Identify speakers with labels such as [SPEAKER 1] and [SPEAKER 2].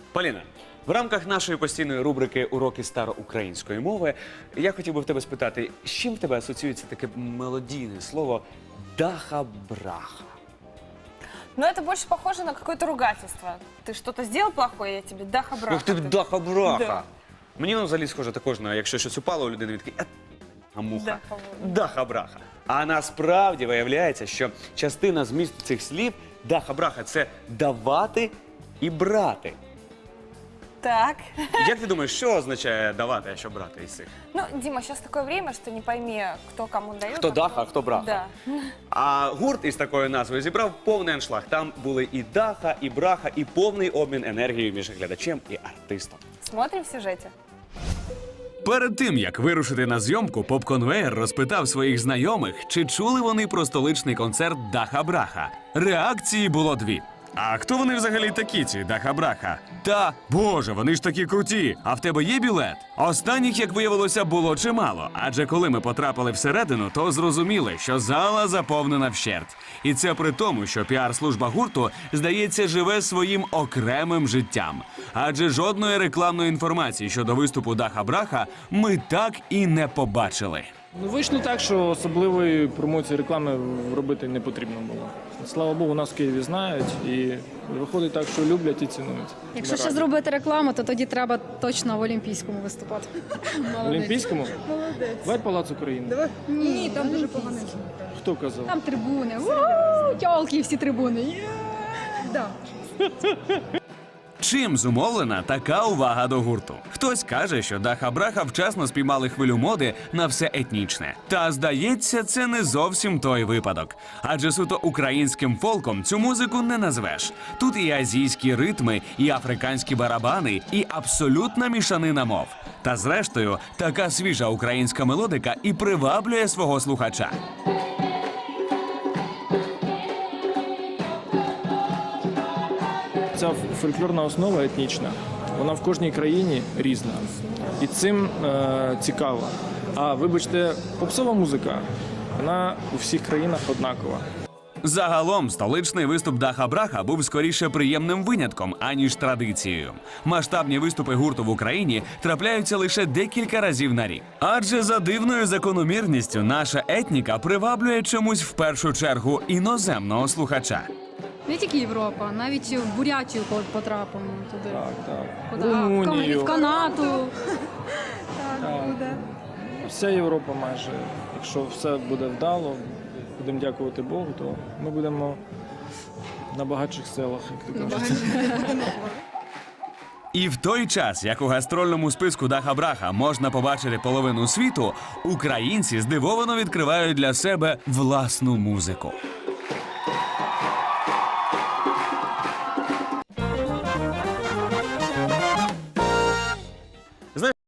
[SPEAKER 1] Поліна, в рамках нашої постійної рубрики «Уроки староукраїнської мови» я хотів би в тебе спитати, з чим в тебе асоціюється таке мелодійне слово «даха-браха»?
[SPEAKER 2] Но это больше похоже на какое-то ругательство. Ты что-то сделал плохое, я тебе даха-браха.
[SPEAKER 1] Ух ти, даха-браха!
[SPEAKER 2] Да.
[SPEAKER 1] Мені воно взагалі схоже також на, якщо щось упало у людини, він такий а муха. Даха-браха. А насправді виявляється, що частина змісту цих слів даха-браха – це давати і брати.
[SPEAKER 2] Так.
[SPEAKER 1] Як ти думаєш, що означає давати, а що брати із цих?
[SPEAKER 2] Ну, Дима, сейчас такое время, что не пойми, кто кому дает.
[SPEAKER 1] Хто даха, а хто браха.
[SPEAKER 2] Да.
[SPEAKER 1] А гурт із такою назвою зібрав повний аншлаг. Там були і даха, і браха, і повний обмін енергією між глядачем і артистом.
[SPEAKER 2] Смотрим в сюжете.
[SPEAKER 3] Перед тим, як вирушити на зйомку, поп-конвеєр розпитав своїх знайомих, чи чули вони про столичний концерт «Даха-браха». Реакції було дві. А хто вони взагалі такі, ці «Даха-браха»? Та, боже, вони ж такі круті, а в тебе є білет? Останніх, як виявилося, було чимало, адже коли ми потрапили всередину, то зрозуміли, що зала заповнена вщерть. І це при тому, що піар-служба гурту, здається, живе своїм окремим життям. Адже жодної рекламної інформації щодо виступу «Даха-браха» ми так і не побачили.
[SPEAKER 4] Ну, вийшло так, що особливої промоції реклами робити не потрібно було. Слава Богу, нас в Києві знають і виходить так, що люблять і цінують.
[SPEAKER 5] Якщо ще зробити рекламу, то тоді треба точно в Олімпійському виступати.
[SPEAKER 4] В Олімпійському?
[SPEAKER 5] Молодець.
[SPEAKER 4] Давай Палац України.
[SPEAKER 5] Ні, там дуже погано.
[SPEAKER 4] Хто казав?
[SPEAKER 5] Там трибуни. Уу, тьолки всі трибуни. Да.
[SPEAKER 3] Чим зумовлена така увага до гурту? Хтось каже, що Даха-браха вчасно спіймали хвилю моди на все етнічне. Та, здається, це не зовсім той випадок. Адже суто українським фолком цю музику не назвеш. Тут і азійські ритми, і африканські барабани, і абсолютна мішанина мов. Та зрештою, така свіжа українська мелодика і приваблює свого слухача.
[SPEAKER 4] Ця фольклорна основа етнічна, вона в кожній країні різна. І цим цікаво. А вибачте, попсова музика, вона у всіх країнах однакова.
[SPEAKER 3] Загалом, столичний виступ Даха-браха був скоріше приємним винятком, аніж традицією. Масштабні виступи гурту в Україні трапляються лише декілька разів на рік. Адже за дивною закономірністю наша етніка приваблює чомусь в першу чергу іноземного слухача.
[SPEAKER 5] Не тільки Європа, навіть в Бурятію потрапимо туди.
[SPEAKER 4] Так.
[SPEAKER 5] Куди?
[SPEAKER 4] Румунію.
[SPEAKER 5] В Канаду.
[SPEAKER 4] Вся Європа майже. Якщо все буде вдало, будемо дякувати Богу, то ми будемо на багатших селах, як ти кажеш.
[SPEAKER 3] І в той час, як у гастрольному списку Даха-браха можна побачити половину світу, українці здивовано відкривають для себе власну музику.